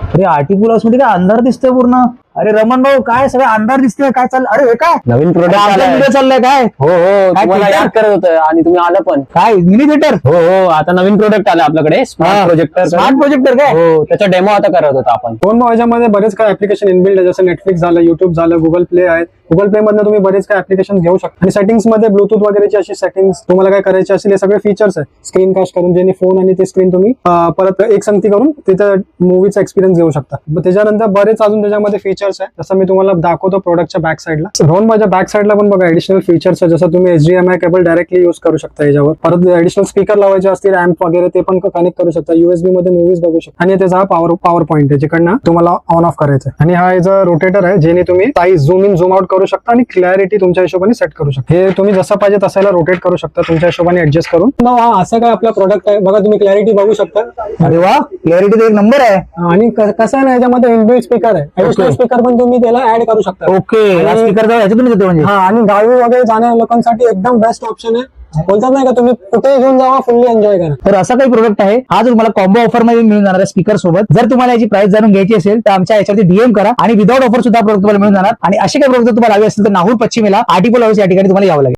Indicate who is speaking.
Speaker 1: अरे article house मध्ये काय अंधार दिसतोय पूर्ण. अरे रमण भाऊ काय सगळं अंधार दिसतोय, काय चाललं? अरे हे काय
Speaker 2: नवीन प्रोडक्ट
Speaker 1: व्हिडिओ चाललाय काय?
Speaker 2: हो हो
Speaker 1: काय
Speaker 2: तुम्हाला
Speaker 1: theater?
Speaker 2: याद करत होतं आणि तुम्ही आलं पण.
Speaker 1: काय मिनी थिएटर?
Speaker 2: हो हो आता नवीन प्रोडक्ट आलं आपल्याकडे स्मार्ट प्रोजेक्टर.
Speaker 1: स्मार्ट प्रोजेक्टर काय?
Speaker 2: हो त्याचा डेमो आता करत होता आपण.
Speaker 3: फोन याच्यामध्ये बरेच काही ऍप्लिकेशन इनबिल्ड आहे, जसं नेटफ्लिक्स झालं, युट्यूब झालं, गुगल प्ले आहे. गुगल प्ले मधनं तुम्ही बरेच काही ऍप्लिकेशन घेऊ शकता. आणि सेटिंग्स मध्ये ब्लूटूथ वगैरेची अशी सेटिंग्स तुम्हाला काय करायची असेल हे सगळे फीचर्स आहे. स्क्रीन कास्ट करून ज्यांनी फोन आणि ते स्क्रीन तुम्ही परत एक संगती करून तिथं मूवीचा एक्सपिरियन्स घेऊ शकता. त्याच्यानंतर बरेच अजून त्याच्यामध्ये फीचर्स आहे, जसं मी तुम्हाला दाखवतो प्रोडक्टच्या बॅक साईडला. रोन माझ्या बॅक साईडला पण बघा ऍडिशनल फीचर्स आहे, जसं तुम्ही HDMI केबल डायरेक्टली यूज करू शकता याच्यावर. परत ऍडिशनल स्पीकर लावायचे असतील, रॅम्प वगैरे ते पण कनेक्ट करू शकता. USB मध्ये मूवीज बघू शकता. आणि त्याचा हा पॉवर पॉईंट आहे जिकडनं तुम्हाला ऑन ऑफ करायचं. आणि हा याचा रोटेटर आहे, ज्याने तुम्ही size zoom in zoom out करू शकता आणि क्लॅरिटी तुमच्या हिशोबाने सेट करू शकता. हे तुम्ही जसं पाहिजे तसाला रोटेट करू शकता तुमच्या हिशोबाने ऍडजस्ट करून. हा असं काय आपला प्रोडक्ट आहे बघा, तुम्ही क्लॅरिटी बघू शकता.
Speaker 1: अरे वा, क्लॅरिटी तर एक नंबर आहे.
Speaker 3: आणि कसं आहे ना, याच्यामध्ये इनबिल्ट स्पीकर आहे. ऍडिशनल स्पीकर पण तुम्ही त्याला ऍड करू शकता.
Speaker 1: ओके, स्पीकर ह्याच्यातून येतो म्हणजे.
Speaker 3: हा, आणि गावी वगैरे जाणाऱ्या लोकांसाठी एकदम बेस्ट ऑप्शन आहे. बोलतात नाही का, तुम्ही कुठे घेऊन जावा, फुल्ली एन्जॉय करा.
Speaker 1: तर असा काही प्रोडक्ट आहे हा जो तुम्हाला कॉम्बो ऑफर मध्ये मिळून जाणार आहे स्पीकर सोबत. जर तुम्हाला याची प्राइस जाणून घ्यायची असेल तर आमच्या याच्यावरती DM करा आणि विदाउट ऑफर सुद्धा प्रोडक्ट तुम्हाला मिळून जाणार. आणि असे काही प्रोडक्ट तुम्हाला हवे असतील तर नाहूर पश्चिमेला आर्टिकल हाऊस या ठिकाणी तुम्हाला यावं लागेल.